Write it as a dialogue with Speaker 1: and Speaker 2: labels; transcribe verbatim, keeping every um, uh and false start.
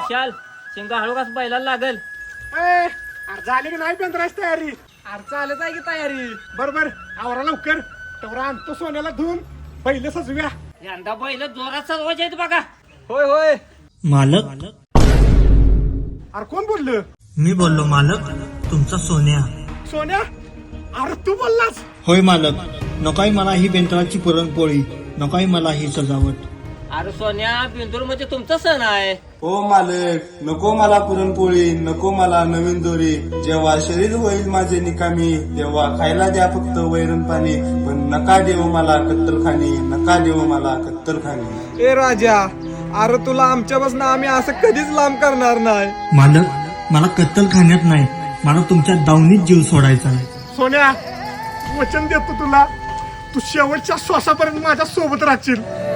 Speaker 1: विशाल शिंगा हळू कस बैलाला लागल.
Speaker 2: अरे झाली की नाही बेंद्राची तयारी? अरे चालत आहे की तयारी. बरोबर आवरा लवकर. तेवढा आणतो सोन्याला धुवून पहिले सजव्या.
Speaker 1: यंदा बैल जोरात सजवायचे आहेत बघा.
Speaker 2: होय होय.
Speaker 3: मालक
Speaker 2: अरे कोण बोललं?
Speaker 3: मी बोललो मालक, तुमचा सोन्या.
Speaker 2: सोन्या अरे तू बोललास?
Speaker 3: होय मालक, नकोय मला ही बेंद्राची पुरणपोळी, नकोय मला ही सजावट.
Speaker 1: अरे सोन्या बिंदूर म्हणजे तुमचा सण आहे.
Speaker 4: हो मालक, नको मला पुरणपोळी, नको मला नवीन दोरी. जेव्हा शरीर होईल माझे निकामी, तेव्हा खायला द्या फक्त वैरण पाणी. पण नका देऊ मला कत्तलखानी, नका देऊ मला कत्तलखानी.
Speaker 2: ए राजा, अरे तुला आमच्यापासून आम्ही असं कधीच लांब करणार नाही.
Speaker 3: मालक मला कत्तल खाण्यात नाही, मला तुमच्या दावणीत जीव सोडायचा आहे.
Speaker 2: सोन्या वचन देतो तुला, तू शेवटच्या श्वासापर्यंत माझ्या सोबत राहशील.